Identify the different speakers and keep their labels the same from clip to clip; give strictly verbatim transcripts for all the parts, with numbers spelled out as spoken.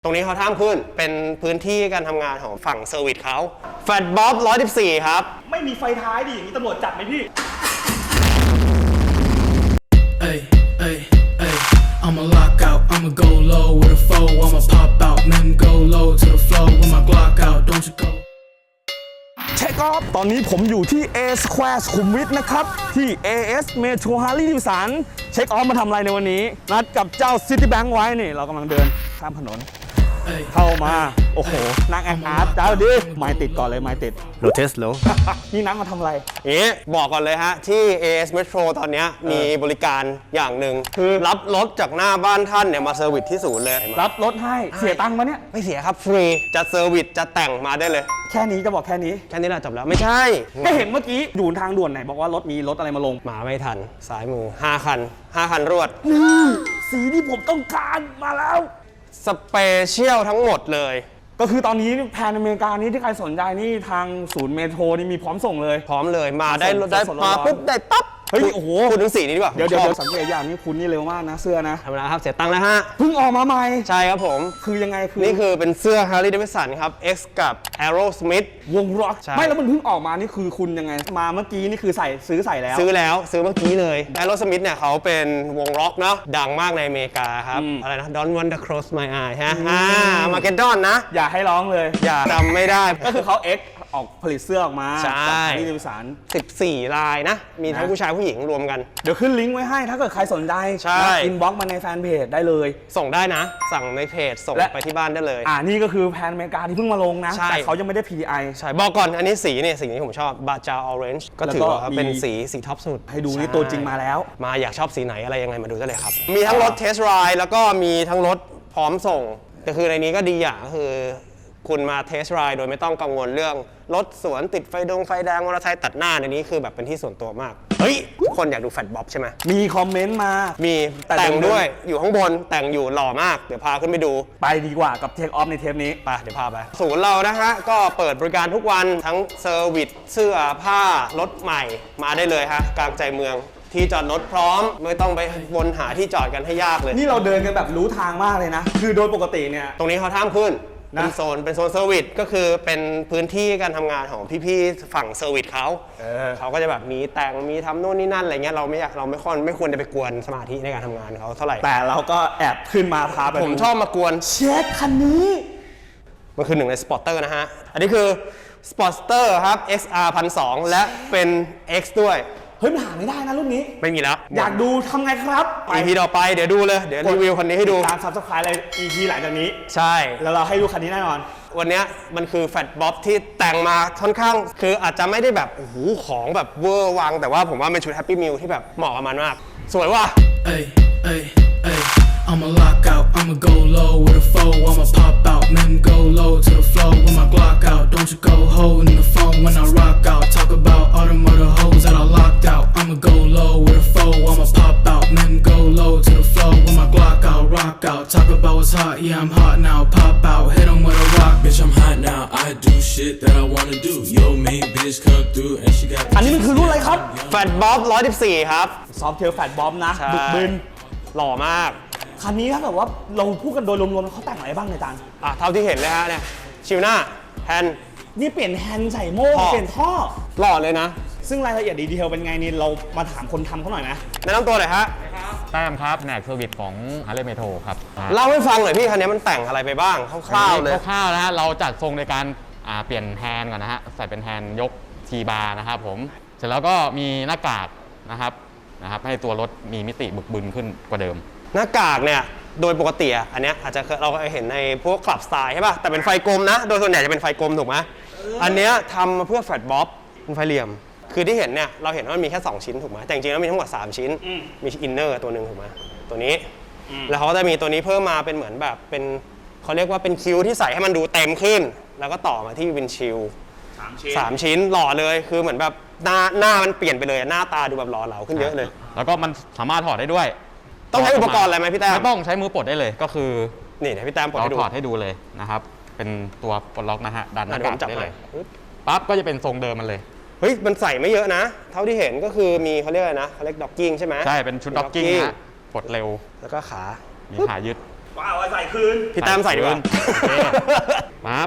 Speaker 1: ตรงนี้เขาท่ามขึ้นเป็นพื้นที่การทำงานของฝั่งเซอร์วิสเขาแฟลตบ๊อบหนึ่งร้อยสิบสี่ครับ
Speaker 2: ไม่มีไฟท้ายดิอย่างนี้ตำรวจจับไหมพี่
Speaker 3: Ay, ay, ay, I'ma lock out, I'ma go low with a foe, I'ma pop out, man go low to the floor with my Glock out, don't you go
Speaker 2: เช็คออฟตอนนี้ผมอยู่ที่ A Square สุขุมวิทนะครับที่ เอ เอส Metro Harley Davidson เช็คออฟมาทำอะไรในวันนี้นัดกับเจ้า Citibank ไว้นี่เรากำลังเดินข้ามถนนเข้ามาโอ้โหนั่งแอคอาร์ตจ้าดิไม้ติดก่อนเลยไม้ติด
Speaker 1: โรเทสโล
Speaker 2: นี่นัดมาทำอะไร
Speaker 1: เอ๊ะบอกก่อนเลยฮะที่ เอ เอส Metro ตอนนี้มีบริการอย่างหนึ่งคือรับรถจากหน้าบ้านท่านเนี่ยมาเซอร์วิสที่ศูนย์เลย
Speaker 2: รับรถให้เสียตังค์มาเนี่ย
Speaker 1: ไม่เสียครับฟรีจะเซอร์วิสจะแต่งมาได้เลย
Speaker 2: แค่นี้จะบอกแค่นี้
Speaker 1: แค่นี้แหละจบแล้วไม่ใช่
Speaker 2: ก็เห็นเมื่อกี้อยู่ทางด่วนไหนบอกว่ารถมีรถอะไรมาลง
Speaker 1: มาไม่ทันซ้ายมือห้าคันห้าคันรวด
Speaker 2: นี่สีที่ผมต้องการมาแล้ว
Speaker 1: สเปเชียลทั้งหมดเลย
Speaker 2: ก็คือตอนนี้แผนอเมริกานี้ที่ใครสนใจนี่ทางศูนย์เมโทรนี่มีพร้อมส่งเลย
Speaker 1: พร้อมเลยมาได้ได้มาปุ๊บได้ปั๊บ
Speaker 2: เฮ้ยโอ้โห
Speaker 1: พูดถึงสีนี้ดีกว่า
Speaker 2: เดี๋ยวเดี๋ยวสังเกตอย่างนี้คุณนี่เร็วมากนะเสื้อนะ
Speaker 1: ธรรมดาครับเสียตังค์แล้วฮะ
Speaker 2: เพิ่งออกมาใหม่
Speaker 1: ใช่ครับผม
Speaker 2: คือยังไงคือ
Speaker 1: นี่คือเป็นเสื้อ Harley Davidson ครับ X กับ Aerosmith
Speaker 2: วงร็อกไม่แล้วมันเพิ่งออกมานี่คือคุณยังไงมาเมื่อกี้นี่คือใส่ซื้อใส่แล้ว
Speaker 1: ซื้อแล้วซื้อเมื่อกี้เลย Aerosmith เนี่ยเขาเป็นวงร็อกเนาะดังมากในอเมริกาครับอะไรนะ Don't want to cross my eye ฮะอ่ามาเก็ตดอนนะ
Speaker 2: อย่าให้ร้องเลย
Speaker 1: อย่าจำไม่ได้
Speaker 2: ก็คือเขา X ออกผลิตเสื้อออกมา
Speaker 1: ใช่
Speaker 2: ที่ดิวิสัน
Speaker 1: สิบสี่ลายนะมีทั้งผู้ชายผู้หญิงรวมกัน
Speaker 2: เดี๋ยวขึ้นลิงก์ไว้ให้ถ้าเกิดใครสนใจอินบ็อกซ์มาในแฟนเพจได้เลย
Speaker 1: ส่งได้นะสั่งในเพจส่งไปที่บ้านได้เลย
Speaker 2: อ่านี่ก็คือแพนอเมริกาที่เพิ่งมาลงนะแต่เขายังไม่ได้ พี ดี ไอ
Speaker 1: ใช่บอกก่อนอันนี้สีเนี่ยสีที่ผมชอบบาจาออเรนจ์ก็ถือว่าเป็นสีสีท็อปสุด
Speaker 2: ให้ดูนี่ตัวจริงมาแล้ว
Speaker 1: มาอยากชอบสีไหนอะไรยังไงมาดูได้เลยครับมีทั้งรถเทสไรด์แล้วก็มีทั้งรถพร้อมส่งก็คือในนี้ก็ดีอย่างก็คือคุณมาเทสไรด์โดยไม่ต้องกังวลเรื่องรถสวนติดไฟดงไฟแดงมอเตอร์ไซค์ตัดหน้าในนี้คือแบบเป็นที่ส่วนตัวมากเฮ้ยทุกคนอยากดูแฟลตบ๊อบใช่ไหม
Speaker 2: มีคอมเมนต์มา
Speaker 1: มีแต่งด้วยอยู่ข้างบนแต่งอยู่หล่อมากเดี๋ยวพาขึ้นไปดู
Speaker 2: ไปดีกว่ากับเทคออฟในเทปนี้
Speaker 1: ไปเดี๋ยวพาไปศูนย์เรานะฮะก็เปิดบริการทุกวันทั้งเซอร์วิสเสื้อผ้ารถใหม่มาได้เลยฮะกลางใจเมืองที่จอดรถพร้อมไม่ต้องไปวนหาที่จอดกันให้ยากเลย
Speaker 2: นี่เราเดินกันแบบรู้ทางมากเลยนะคือโดยปกติเนี่ย
Speaker 1: ตรงนี้เขาท่ามขึ้นเป็นโซนเป็นโซนเซอร์วิสก็คือเป็นพื้นที่การทำงานของพี่ๆฝั่งเซอร์วิสเขาเออเขาก็จะแบบมีแต่งมีทำโน่นนี่นั่นอะไรเงี้ยเราไม่อยากเราไม่ค่อยไม่ควรจะไปกวนสมาธิในการทำงานเขาเท่าไหร่
Speaker 2: แต่เราก็แอบขึ้นมาพาไป
Speaker 1: ผมชอบมากวน
Speaker 2: เช็คคันนี้
Speaker 1: มันคือหนึ่งในสปอร์เตอร์นะฮะอันนี้คือสปอร์เตอร์ครับ เอ็กซ์ อาร์ หนึ่งพันสองร้อย และเป็น X ด้วย
Speaker 2: เฮ้ยมันหาไม่ได้นะรุ่นนี้
Speaker 1: ไม่มีแล้ว
Speaker 2: อยากดูทำไงครับ
Speaker 1: อี พี ต่อไปเดี๋ยวดูเลยเดี๋ยวรีวิวคันนี้ให้ดู
Speaker 2: ตาม Subscribe เลย อี พี หลังจากนี้
Speaker 1: ใช่
Speaker 2: แล้วเราให้ดูคันนี้แน่นอน
Speaker 1: วันนี้มันคือแฟลตบ๊อบที่แต่งมาค่อนข้างคืออาจจะไม่ได้แบบโอ้โหของแบบเวอร์วังแต่ว่าผมว่าเป็นชุดแฮปปี้มิลที่แบบเหมาะกับมันมากสวยว่ะ
Speaker 3: Ay, ay, ay, I'ma lock out, I'ma go low with a foe, I'ma pop out, man go low to the floor with my Glock out, don't you go holding the phone when I rock out, talk about all them other hoes that I locked out, I'ma go low with a foe, I'ma pop out, man go low to the floor with my Glock out, rock out, talk about what's hot, yeah I'm hot now, pop out, hit 'em with a rock, bitch I'm hot now, I do shit that I wanna do, yo main bitch come through and she got
Speaker 2: อันนี้มันคือรุ่นอะไรครับ
Speaker 1: แฟลตบ๊อบหนึ่งร้อยสิบสี่ครับ
Speaker 2: ซอฟต์เทลแฟลตบ๊อบนะบึกบึน
Speaker 1: หล่อมาก
Speaker 2: คันนี้ถ้าแบบว่าเราพูดกันโดยรวมๆเขาแต่งอะไรบ้างในจาน
Speaker 1: อ่ะเท่าที่เห็นเลยฮะเนี่ยชิวหน้าแฮนด์
Speaker 2: นี่เปลี่ยนแฮนด์ใส่โม่เปลี่ยนท่อ
Speaker 1: หล่อเลยนะ
Speaker 2: ซึ่งรายละเอียดดีเทลเป็นไงนี่เรามาถามคนทำเขาหน่อยนะ
Speaker 1: แนะนำตัวหน่อยฮะ
Speaker 4: แต้มครับแหนกเซอร์วิสของ Harley Metro ครับ
Speaker 1: เล่าให้ฟังหน่อยพี่คันนี้มันแต่งอะไรไปบ้างคร่าวๆเลย
Speaker 4: คร่าวๆนะฮะเราจัดทรงในการเปลี่ยนแฮนด์ก่อนนะฮะใส่เป็นแฮนด์ยกทีบาร์นะครับผมเสร็จแล้วก็มีหน้ากากนะครับนะครับให้ตัวรถมีมิติบึกบึนขึ้นกว่าเดิม
Speaker 1: หน้ากากเนี่ยโดยปกติอันนี้อาจจะเราเห็นในพวกคลับสไตล์ใช่ป่ะแต่เป็นไฟกลมนะโดยส่วนใหญ่จะเป็นไฟกลมถูกไหมอันนี้ทำมาเพื่อแฟลตบ๊อบเป็นไฟเหลี่ยมคือที่เห็นเนี่ยเราเห็นว่ามันมีแค่สองชิ้นถูกไหมแต่จริงๆแล้วมีทั้งหมดสามชิ้นมีอินเนอร์ตัวหนึ่งถูกไหมตัวนี้แล้วเขาก็จะมีตัวนี้เพิ่มมาเป็นเหมือนแบบเป็นเขาเรียกว่าเป็นคิ้วที่ใส่ให้มันดูเต็มขึ้นแล้วก็ต่อมาที่วินชิลสามชิ้นหล่อเลยคือเหมือนแบบหน้าหน้ามันเปลี่ยนไปเลยหน้าตาดูแบบหล่อเหลาขึ้นเยอะเลย
Speaker 4: แล้วก็มันสามารถถอดได้ด้วย
Speaker 1: ต้องใช้อุปกรณ์อะไรไหมพี่แต้ม
Speaker 4: ไม่ต้องใช้มือปลดได้เลยก็คือ
Speaker 1: นี่เดี๋ยวพี่แต้มปลดให้ดู
Speaker 4: เราถอดให้ดูเลยนะครับเป็นตัวปลดล็อกนะฮะดันหน้ากากได้เลยปั๊บก็จะเป็นทรงเดิมมันเลย
Speaker 1: เฮ้ยมันใส่ไม่เยอะนะเท่าที่เห็นก็คือมีเขาเรียกอะไรนะเขาเรียกด็อกกิ้งใช่ไหม
Speaker 4: ใช่เป็นชุดด็อกกิ้งนะปลดเร็ว
Speaker 1: แล้วก็ขา
Speaker 4: มีขายึด
Speaker 2: ว้าวใส่คืน
Speaker 1: พี่แต้มใส่ดีกว่า
Speaker 4: โอเคปั๊บ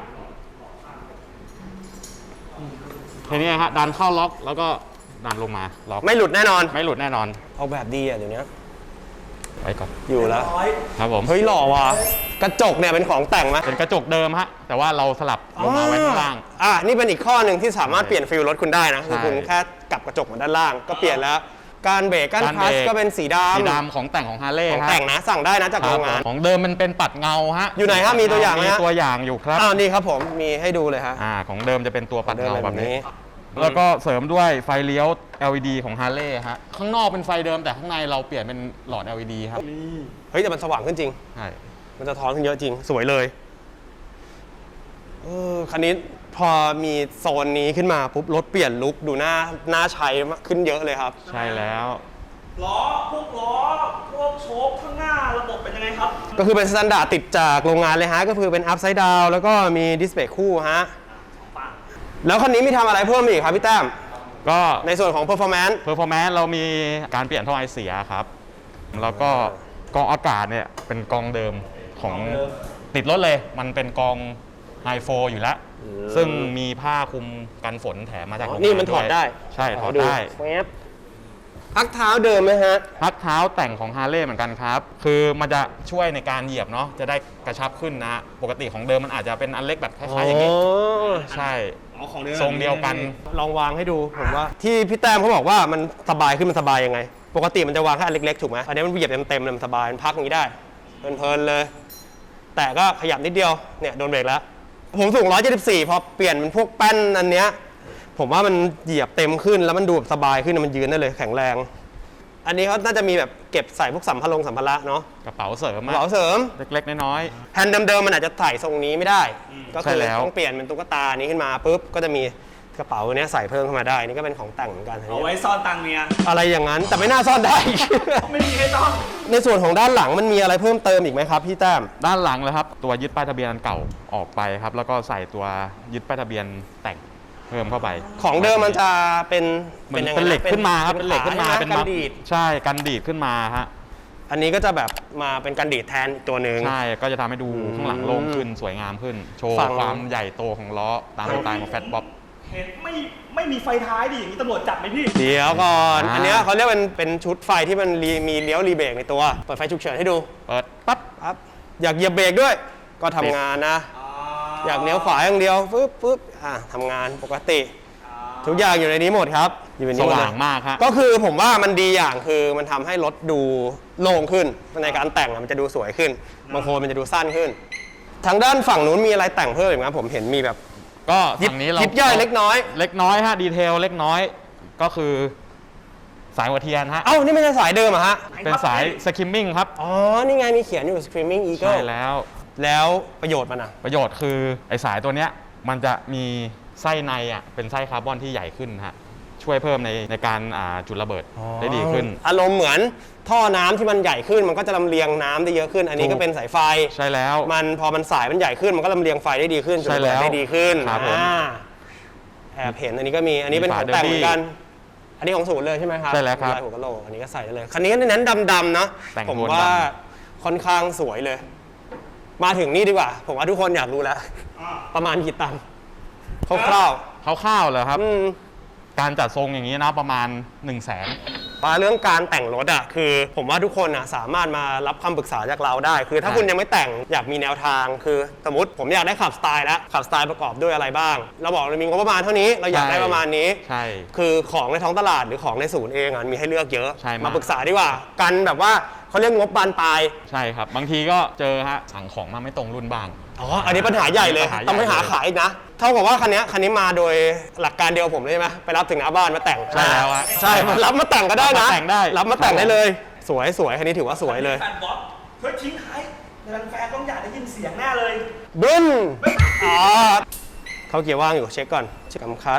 Speaker 4: ทีนี้ฮะดันเข้าล็อกแล้วก็ดันลงมาล็อก
Speaker 1: ไม่หลุดแน่นอน
Speaker 4: ไม่หลุดแน่นอน
Speaker 1: เอาแบบดีอ่ะเดี๋ยวนี้
Speaker 4: ไว้ก่อน
Speaker 1: อยู่แล้ว
Speaker 4: ครับผม
Speaker 1: เฮ้ยหล่อว่ะกระจกเนี่ยเป็นของแต่งไหม
Speaker 4: เป็นกระจกเดิมฮะแต่ว่าเราสลับลงมาไว้ข้างล่าง
Speaker 1: อ่านี่เป็นอีกข้อหนึ่งที่สามารถเปลี่ยนฟิลรถคุณได้นะคือ
Speaker 4: ใช่
Speaker 1: คุณแค่กลับกระจกมาด้านล่างก็เปลี่ยนแล้ว การเบรกการ
Speaker 4: การ
Speaker 1: คลั
Speaker 4: เบ
Speaker 1: ต
Speaker 4: ร
Speaker 1: ช์ก็เป็นสีดำ
Speaker 4: สีดำของแต่งของฮาร์เลย์
Speaker 1: ของ
Speaker 4: ฮะ
Speaker 1: แต่งนะสั่งได้นะจาก
Speaker 4: ค
Speaker 1: โร
Speaker 4: รับ
Speaker 1: งงาน
Speaker 4: ของเดิมมันเป็นปัดเงาฮะ
Speaker 1: อยู่ไหนฮะมีตัวอย่างไหมฮะ
Speaker 4: มีตัวอย่างอยู่ครับ
Speaker 1: อ้าวนี่ครับผมมีให้ดูเลยฮะ
Speaker 4: อ่าของเดิมจะเป็นตัวปัดเงา
Speaker 1: เดิม
Speaker 4: แบบนี้ แล้วก็เสริมด้วยไฟเลี้ยว แอล อี ดี ของฮาร์เลย์ฮะข้างนอกเป็นไฟเดิมแต่ข้างในเราเปลี่ยนเป็นหลอด แอล อี ดี ครับ
Speaker 1: เฮ้ยแต่มันสว่างขึ้นจริง
Speaker 4: ใช่
Speaker 1: มันจะท้อนขึ้นเยอะจริง สวยเลยเออคันนี้พอมีโซนนี้ขึ้นมาปุ๊บรถเปลี่ยนลุคดูหน้าหน้าใช้ขึ้นเยอะเลยครับ
Speaker 4: ใช่แล้ว
Speaker 2: ล้อพวกล้อพวกโชคข้างหน้าระบบเป็นยังไงครับ
Speaker 1: ก็คือเป็นสแตนดาร์ดติดจากโรงงานเลยฮะ ก็คือเป็นอัพไซด์ดาวแล้วก็มีดิสเพลย์คู่ฮะ แล้วคันนี้มีทำอะไรเพิ่มอีกครับพี่แต้ม
Speaker 4: ก็
Speaker 1: ในส่วนของ performance
Speaker 4: เพอร์ฟอร์แมนซ์เรามีการเปลี่ยนท่อไอเสียครับ แล้วก็กรองอากาศเนี่ยเป็นกรองเดิมของติดรถเลย มันเป็นกรองไฮโฟอยู่แล้ว ซึ่งมีผ้าคลุมกันฝนแถมมาจากโรงงาน
Speaker 1: นี่มันถอดได้
Speaker 4: ใช่ถอดได้
Speaker 1: แวบพักเท้าเดิมไหมฮะ
Speaker 4: พักเท้าแต่งของฮาร์เลย์เหมือนกันครับ คือมันจะช่วยในการเหยียบเนาะ จะได้กระชับขึ้นนะ ปกติของเดิมมันอาจจะเป็นอันเล็กแบบคล้ายๆอย่างนี้ ใช่
Speaker 2: เอาของเดิม
Speaker 4: ทรงเดียวกัน
Speaker 1: ลองวางให้ดูผมว่า ที่พี่แต้มเขาบอกว่ามันสบายขึ้นมันสบายยังไง ปกติมันจะวางแค่อันเล็กๆถูกไหมอันนี้มันเหยียบเต็มๆเลยมันสบายมันพักอย่างนี้ได้เพลินๆเลย แต่ก็ขยับนิดเดียวเนี่ยโดนเบรกแล้ว ผมสูงหนึ่งร้อยเจ็ดสิบสี่พอเปลี่ยนเป็นพวกแป้นอันเนี้ยผมว่ามันเหยียบเต็มขึ้นแล้วมันดูแบบสบายขึ้นมันยืนได้เลยแข็งแรง อันนี้เขาน่าจะมีแบบเก็บใส่พวกสัมภาระสัมภาระเนาะ
Speaker 4: กระเป๋าเสริม
Speaker 1: กระเป๋าเสริม
Speaker 4: เล็กๆน้อย
Speaker 1: แผ่นเดิมๆมันอาจจะใส่ทรงนี้ไม่ได้ ก็
Speaker 4: ใช่
Speaker 1: คือ
Speaker 4: แล้ว
Speaker 1: ต้องเปลี่ยนเป็นตุ๊กตานี้ขึ้นมาปุ๊บก็จะมีกระเป๋าเนี้ยใส่เพิ่มเข้ามาได้นี่ก็เป็นของแต่งเหมือนกัน
Speaker 2: เอาไว้ซ่อนตังค์เมีย
Speaker 1: อะไรอย่างนั้นแต่ไม่น่าซ่อนได้
Speaker 2: ไม่มีให้ซ่อน
Speaker 1: ในส่วนของด้านหลังมันมีอะไรเพิ่มเติมอีกไหมครับพี่แต้ม
Speaker 4: ๆด้านหลังเลยครับ ตัวยึดป้ายทะเบียนอันเก่าออกไปครับ แล้วก็ใส่ตัวยึดป้ายทะเบียนแต่งเพิ่มเข้าไป
Speaker 1: ของเดิมมันจะเป็น
Speaker 4: เหมือน
Speaker 1: ยังไง
Speaker 4: เป็นเหล็ก
Speaker 1: ะ
Speaker 4: ขึ้นมาครับเป็นเหล็กขึ้นมา
Speaker 1: ใช่ไห
Speaker 4: เป็น
Speaker 1: กัน
Speaker 4: มัด
Speaker 1: ดีด
Speaker 4: ใช่กันดีดขึ้นมาฮะ
Speaker 1: อันนี้ก็จะแบบมาเป็นกันดีดแทนอีกตัวหนึ่ง
Speaker 4: ใช่ก็จะทำให้ดูข้างหลังโล่งขึ้นสวยงามขึ้น โชว์
Speaker 1: ฝั่ง
Speaker 4: ความใหญ่โตของล้อตามสไตล์ของแฟตบ๊อบ
Speaker 2: เห็นไม่ไม่มีไฟท้ายดิอย่างนี้ตำรวจจับไหมพี่
Speaker 1: เดี๋ยวก่อน
Speaker 4: อ่า
Speaker 1: อันเนี้ยเขาเรียกเป็นเป็นชุดไฟที่มันรีมีเลี้ยวรีเบรกในตัวเปิดไฟฉุกเฉินให้ดู
Speaker 4: เปิดปั๊บ
Speaker 1: ปั๊บอยากเหยียบเบรกด้วย ก็ทำงานนะ อยากเลี้ยวขวาอย่างเดียวปึ๊บปึ๊บอ่ะทำงานปกติ ทุกอย่างอยู่ในนี้หมดครับอยู่ใน
Speaker 4: ส
Speaker 1: นี้หมดเล
Speaker 4: ว่าย งมากฮะ
Speaker 1: ก็คือผมว่ามันดีอย่างคือมันทำให้รถดูโล่งขึ้นในการแต่งอะมันจะดูสวยขึ้นบางโคนมันจะดูสั้นขึ้น ทางด้านฝั่งนู้นมีอะไรแต่งเพิ่มอีกไหมผมเห็นมีแบบ
Speaker 4: ก็
Speaker 1: ยิบ
Speaker 4: ฝั่งนี้เรา
Speaker 1: ยิบย่อยเล็กน้อย
Speaker 4: เล็กน้อยฮะดีเทลเล็กน้อยก็คือสายหัวเทียนฮะ
Speaker 1: เอ้านี่ไม่ใช่สายเดิมเหรอะฮะ
Speaker 4: เป็นสายสคิมมิ่งครับ
Speaker 1: อ๋อนี่ไงมีเขียนอยู่ Screaming
Speaker 4: ใช่
Speaker 1: Eagle
Speaker 4: แล้ว
Speaker 1: แล้วประโยชน์มันอะ
Speaker 4: ประโยชน์คือไอสายตัวเนี้ยมันจะมีไส้ในอ่ะเป็นไส้คาร์บอนที่ใหญ่ขึ้นฮะช่วยเพิ่มในในการอ่าจุดระเบิดได้ดีขึ้น
Speaker 1: อารมณ์เหมือนท่อน้ำที่มันใหญ่ขึ้นมันก็จะลำเลียงน้ำได้เยอะขึ้น อันนี้ก็เป็นสายไฟ
Speaker 4: ใช่แล้ว
Speaker 1: มันพอมันสายมันใหญ่ขึ้นมันก็ลำเลียงไฟได้ดีขึ้น
Speaker 4: ใช่แล้ว
Speaker 1: จุดระเบิดได้ดีขึ้น
Speaker 4: ครับผม
Speaker 1: อ่าแอบเห็นอันนี้ก็มีอันนี้เป็น
Speaker 4: มี
Speaker 1: ข
Speaker 4: ฝา
Speaker 1: องแต่งเหมือนกัน
Speaker 4: Derby
Speaker 1: อันนี้ของศูนย์เลยใช่ไหมครับ
Speaker 4: ใช่แล้วครับ
Speaker 1: ลายหัวกะโหลกอันนี้ก็ใส่ได้เลยคันนี้เน้นดำๆนะ
Speaker 4: แต่ง
Speaker 1: ผม
Speaker 4: โทน
Speaker 1: ว่า
Speaker 4: ด
Speaker 1: ค่อนข้างสวยเลย มาถึงนี่ดีกว่า ผมว่าทุกคนอยากรู้แล้ว ประมาณกี่ตังค์คร่าว
Speaker 4: คร่าวๆเลยครับ
Speaker 1: ๆอืม
Speaker 4: การจัดทรงอย่างนี้นะประมาณ 1 0 0 0 0แสน
Speaker 1: ว่าเรื่องการแต่งรถอ่ะคือผมว่าทุกคนอ่ะสามารถมารับคำปรึกษาจากเราได้ คือถ้า
Speaker 4: ใช่
Speaker 1: คุณยังไม่แต่งอยากมีแนวทางคือสมมติผมอยากได้ขับสไตล์แล้วขับสไตล์ประกอบด้วยอะไรบ้าง เราบอกเรามีงบประมาณเท่านี้เราอยากได้ประมาณนี้
Speaker 4: ใช่
Speaker 1: คือของในท้องตลาดหรือของในศูนย์เองอ่ะมีให้เลือกเยอะ
Speaker 4: ใช่มาก
Speaker 1: มาปรึกษาดีกว่า กันแบบว่าเขาเรียกงบบานปลาย
Speaker 4: ใช่ครับ บางทีก็เจอฮะสั่งของมาไม่ตรงรุ่นบ้าง
Speaker 1: อ๋ออันนี้ปัญหาใหญ่เลย
Speaker 4: ปัญหาใหญ่
Speaker 1: ต้องไปหาขายอีกนะเท่ากับว่าคันนี้คันนี้มาโดยหลักการเดียวผมเลยใช่ไหมไปรับถึงหน้าบ้านมาแต่ง
Speaker 4: ใช่แล้วฮะ
Speaker 1: ใช่มารับมาแต่งก็ได้นะ
Speaker 4: รับมาแต่งได้
Speaker 1: รับมาแต่งได้เลย สวยสวยคันนี้ถือว่าสวยเลย
Speaker 2: แฟนบ๊อบเฮ้ยทิ้งท้ายแฟนๆต้องอยากได้ยินเสียงแน่เลย
Speaker 1: บึ้นอ๋อเขาเกียร์ว่างอยู่เช็คก่อนเช็คกำคัด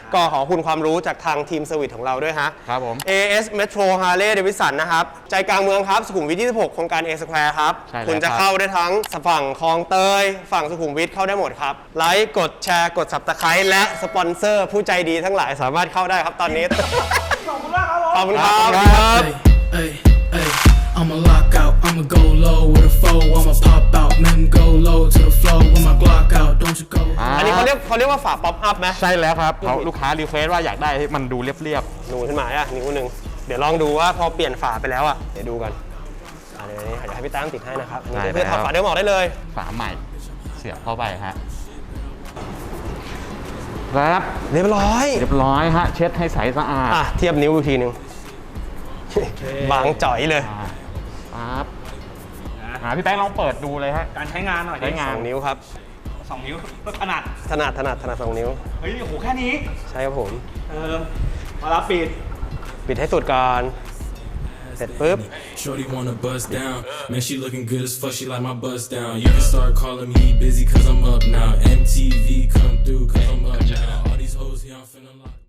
Speaker 1: ก็ขอบคุณความรู้จากทางทีมเซอร์วิสของเราด้วยฮะ
Speaker 4: ครับผม
Speaker 1: เอ เอส Metro Harley Davidson นะครับ ใจกลางเมืองครับสุขุมวิทยี่สิบหกโครงการ A Square ครับ
Speaker 4: ใช่แล้ว
Speaker 1: คุณจะ
Speaker 4: ครับ
Speaker 1: เข้าได้ทั้งฝั่งคลองเตย ฝั่งสุขุมวิทเข้าได้หมดครับ ไลค์กดแชร์กด Subscribe และสปอนเซอร์ผู้ใจดีทั้งหลายสามารถเข้าได้ครับตอนนี้ ขอบคุณมากครับขอบคุณครับ
Speaker 3: Ay, ay, I'ma lock out, I'ma go low with a foe, I'ma pop out, men go low to the floor with my Glock out, don't you go.
Speaker 1: อันนี้เขาเรียกเขาเรียกว่าฝาป๊อปอัพไหม
Speaker 4: ใช่แล้วครับเขาลูกค้ารีเควสว่าอยากได้ให้มันดูเรียบ
Speaker 1: นูนขึ้นมาอ่ะนิ้วหนึ่งเดี๋ยวลองดูว่าพอเปลี่ยนฝาไปแล้วอ่ะเดี๋ยวดูกันอ่ะเดี๋ยวนี้เดี๋ยวให้พี่แต้มติดให้นะครับนี่เพื่อถอดฝาเดิมออกได้เลย
Speaker 4: ๆฝาใหม่เสียบเข้าไปฮะครับ
Speaker 1: เรียบร้อย
Speaker 4: เรียบร้อยฮะเช็ดให้ใสสะอาด
Speaker 1: อ่ะเทียบนิ้วอีกทีหนึ่งบางจ่อยเลย
Speaker 4: อ่าปั๊บหาพี่แป้งลองเปิดดูเลยฮะ
Speaker 2: การใช้งานหน่อย
Speaker 4: ใช้งาน
Speaker 1: สองนิ้วครับ
Speaker 2: สองนิ้วขนาด
Speaker 1: ถนัดถนัดถนัดสองนิ้ว
Speaker 2: เฮ้ยโอ้โหแค่นี้
Speaker 1: ใช่ครับผม
Speaker 2: เออมารับปิด
Speaker 1: ปิดให้สุดก่อน เสร็จปุ๊บ
Speaker 3: Shorty wanna bust down, man she looking good as fuck, she like my bust down. You can start calling me busy cause I'm up now. M T V come through cause I'm up now. All these hoes here I'm finna lock.